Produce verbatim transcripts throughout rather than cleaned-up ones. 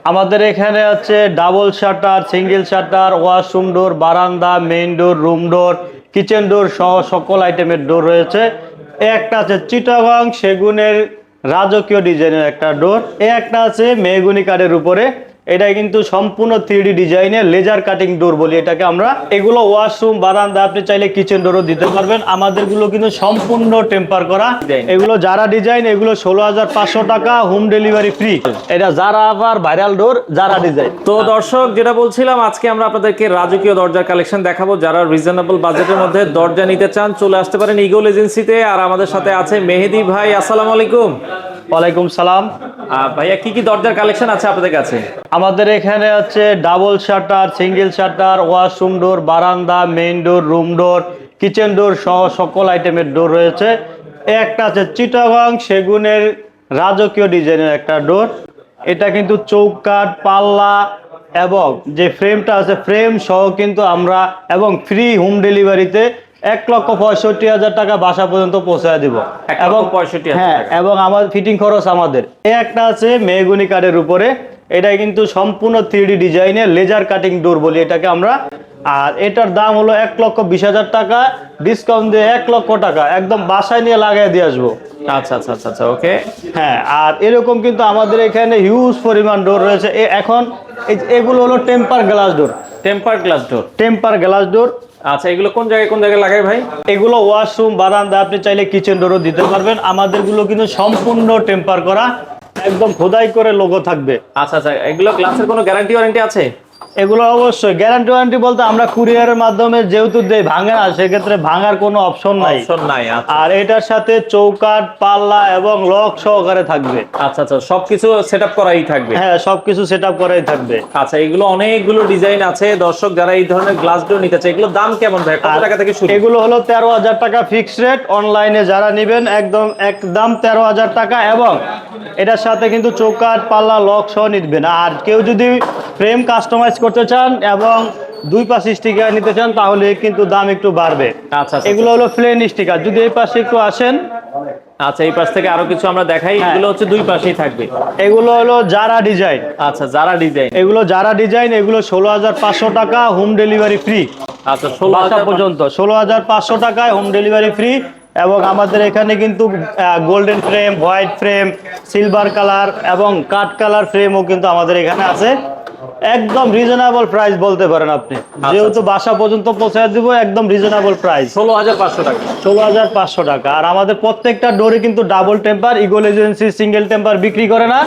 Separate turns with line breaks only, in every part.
আমাদের এখানে হচ্ছে double shutter, single shutter, washroom door, বারান্দা, main door, room door, kitchen door সহ সকল আইটেমের ডোর রয়েছে। একটা আছে চিটাগাং সেগুনের রাজকীয় ডিজাইনের একটা ডোর, এ একটা আছে মেহগুনি কাঠের উপরে। এটা কিন্তু সম্পূর্ণ থ্রি ডি ডিজাইনের লেজার কাটিং ডোর বলি এটাকে আমরা। এগুলো ওয়াশরুম, বারান্দা, আপনি চাইলে কিচেন ডোরও দিতে পারবেন। আমাদেরগুলো কিন্তু সম্পূর্ণ টেম্পার করা। এগুলো যারা ডিজাইন, এগুলো ষোলো হাজার পাঁচশো টাকা, হোম ডেলিভারি ফ্রি। এটা যারা আবার ভাইরাল ডোর, যারা ডিজাইন।
তো দর্শক, যেটা বলছিলাম, আজকে আমরা আপনাদেরকে রাজকীয় দরজার কালেকশন দেখাবো। যারা রিজনেবল বাজেটের মধ্যে দরজা নিতে চান, চলে আসতে পারেন ইগল এজেন্সিতে। আর আমাদের সাথে আছে মেহেদি ভাই। আসসালামু আলাইকুম।
ওয়ালাইকুম সালাম।
ভাইয়া, কি কি দরজার কালেকশন আছে আপনাদের কাছে?
আমাদের এখানে হচ্ছে double shutter, single shutter, washroom door, বারান্দা, main door, room door, kitchen door সহ সকল আইটেমের ডোর রয়েছে। একটা আছে চিটাগাং সেগুনের রাজকীয় ডিজাইনের একটা ডোর। এটা কিন্তু চৌকাঠ, পাল্লা এবং যে ফ্রেমটা আছে ফ্রেম সহ কিন্তু আমরা, এবং ফ্রি হোম ডেলিভারিতে এক লক্ষ পঁয়ষট্টি হাজার টাকা বাসা পর্যন্ত পৌঁছায় দিব। এবং
পঁয়ষট্টি
হ্যাঁ, এবং আমার ফিটিং খরচ আমাদের। এই একটা আছে মেহগুনি কাঠের উপরে। এটা কিন্তু সম্পূর্ণ থ্রি ডি ডিজাইনের লেজার কাটিং ডোর বলি এটাকে আমরা। আর এটার দাম হলো এক লক্ষ বিশ হাজার টাকা, ডিসকাউন্ট দিয়ে এক লক্ষ টাকা একদম বাসায় নিয়ে লাগাই দিয়ে আসবো।
আচ্ছা আচ্ছা আচ্ছা আচ্ছা ওকে।
হ্যাঁ, আর এরকম কিন্তু আমাদের এখানে হিউজ পরিমাণ ডোর রয়েছে। এখন এগুলো হলো temper glass door.
Temper glass door.
Temper glass door.
আচ্ছা, এগুলো কোন জায়গায় কোন জায়গায় লাগাই ভাই?
এগুলো ওয়াশরুম, বারান্দা, আপনি চাইলে কিচেন ডোরও দিতে পারবেন। আমাদেরগুলো কিন্তু সম্পূর্ণ টেম্পার করা, একদম খোদাই করে লোগো থাকবে।
আচ্ছা আচ্ছা, এগুলো গ্লাসের কোনো গ্যারান্টি ওয়ারেন্টি আছে?
এগুলো অবশ্যই গ্যারান্টি ওয়ারেন্টি বলতে আমরা কুরিয়ারের মাধ্যমে যেহেতু দেই, ভাঙে না, সেক্ষেত্রে ভাঙার কোনো অপশন নাই।
অপশন নাই।
আর এটার সাথে চৌকাঠ, পাল্লা এবং লক সহকারে থাকবে।
আচ্ছা আচ্ছা, সবকিছু সেটআপ করাই থাকবে?
হ্যাঁ, সবকিছু সেটআপ করাই থাকবে।
আচ্ছা, এগুলো অনেকগুলো ডিজাইন আছে। দর্শক, যারা এই ধরনের গ্লাস ডোর নিতে চায়, এগুলো দাম কেমন ভাই? কত টাকা থেকে শুরু?
এগুলো হলো তেরো হাজার টাকা ফিক্সড রেট। অনলাইনে যারা নেবেন একদম একদম তেরো হাজার টাকা, এবং এটার সাথে কিন্তু চৌকাঠ, পাল্লা, লক সহ নিবেন। আর কেউ যদি ফ্রেম কাস্টমাইজ করতে চান এবং দুই পাশ স্টিকার নিতে চান, তাহলে কিন্তু দাম একটু বাড়বে।
আচ্ছা,
এগুলো হলো প্লেন স্টিকার। যদি এই পাশে একটু আসেন।
আচ্ছা, এই পাশ থেকে আরো কিছু আমরা দেখাই। এগুলো হচ্ছে দুই পাশেই থাকবে।
এগুলো হলো যারা ডিজাইন।
আচ্ছা, যারা ডিজাইন।
এগুলো যারা ডিজাইন, এগুলো ষোলো হাজার পাঁচশো টাকা, হোম ডেলিভারি ফ্রি।
আচ্ছা, ষোলো হাজার
পর্যন্ত ষোলো হাজার পাঁচশো টাকায় হোম ডেলিভারি ফ্রি। এবং আমাদের এখানে কিন্তু golden frame, white frame, silver colour এবং কাঠ কালার ফ্রেমও কিন্তু আমাদের এখানে আছে। একদম রিজনেবল প্রাইস বলতে পারেন আপনি, যেহেতু বাসা পর্যন্ত পৌঁছায় দিব। একদম রিজনেবল প্রাইস,
ষোলো হাজার পাঁচশো টাকা।
ষোলো হাজার পাঁচশো টাকা। আর আমাদের প্রত্যেকটা ডোরে কিন্তু double temper. Eagle agency single temper বিক্রি করে না।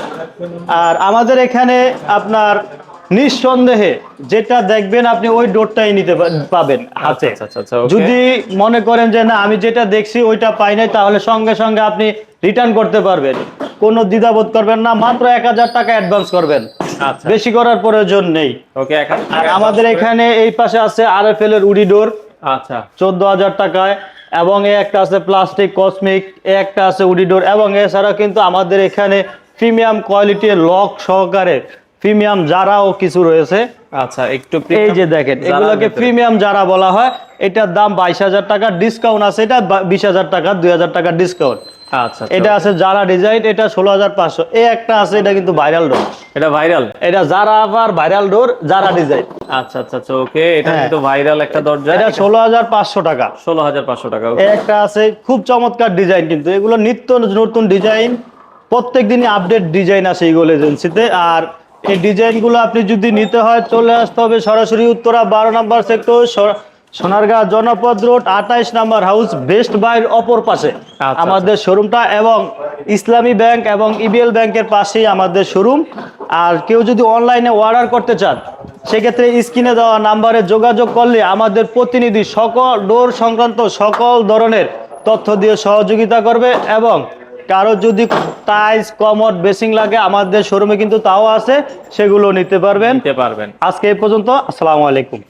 আর আমাদের এখানে আপনার নিঃসন্দেহে যেটা দেখবেন আপনি ওই ডোরটাই নিতে পাবেন হাতে। যদি মনে করেন যে না, আমি যেটা দেখছি ওইটা পাই নাই, তাহলে সঙ্গে সঙ্গে আপনি রিটার্ন করতে পারবেন। কোনো দ্বিধাবোধ করবেন না। মাত্র এক হাজার টাকা অ্যাডভান্স করবেন, বেশি করার প্রয়োজন নেই।
ওকে।
আর আমাদের এখানে এই পাশে আছে আর এফ এল এর উডি ডোর। আচ্ছা, চোদ্দ হাজার টাকায়। এবং এ একটা আছে প্লাস্টিক কসমিক, এ একটা আছে উডি ডোর। এবং এছাড়া কিন্তু আমাদের এখানে প্রিমিয়াম কোয়ালিটির লক সহকারে প্রিমিয়াম যারাও কিছু রয়েছে। আচ্ছা, একটু এই যে দেখেন, এগুলোকে প্রিমিয়াম যারা বলা হয়। এটার দাম বাইশ হাজার টাকা, ডিসকাউন্ট আছে এটা বিশ হাজার টাকা, দুই হাজার টাকা ডিসকাউন্ট। আচ্ছা, এটা আছে যারা ডিজাইন, এটা ষোলো হাজার পাঁচশো। এই একটা আছে, এটা কিন্তু ভাইরাল ডোর।
এটা ভাইরাল?
এটা যারা আবার ভাইরাল ডোর, যারা ডিজাইন।
আচ্ছা আচ্ছা আচ্ছা ওকে। এটা কিন্তু ভাইরাল একটা দরজা।
এটা ষোলো হাজার পাঁচশো টাকা।
ষোলো হাজার পাঁচশো টাকা।
এই একটা আছে, খুব চমৎকার ডিজাইন। কিন্তু এগুলো নিত্য নতুন ডিজাইন, প্রত্যেক দিনই আপডেট ডিজাইন আছে ইগল এজেন্সিতে। আর এই ডিজাইনগুলো আপনি যদি নিতে হয়, চলে আসতে হবে সরাসরি উত্তরা বারো নম্বর সেক্টর, সোনারগাঁ জনপদ রোড, আঠাইশ নাম্বার হাউস, বেস্ট বাইর অপর পাশে আমাদের শোরুমটা। এবং ইসলামী ব্যাংক এবং ইবিএল ব্যাংকের পাশেই আমাদের শোরুম। আর কেউ যদি অনলাইনে অর্ডার করতে চান, সেক্ষেত্রে স্ক্রিনে দেওয়া নাম্বারে যোগাযোগ করলে আমাদের প্রতিনিধি সকল ডোর সংক্রান্ত সকল ধরনের তথ্য দিয়ে সহযোগিতা করবে। এবং কারো যদি টাইলস, কমোড, বেসিং লাগে, আমাদের শোরুমে কিন্তু তাও আছে, সেগুলো নিতে পারবেন।
নিতে পারবেন।
আজকে এই পর্যন্ত। আসসালামু আলাইকুম।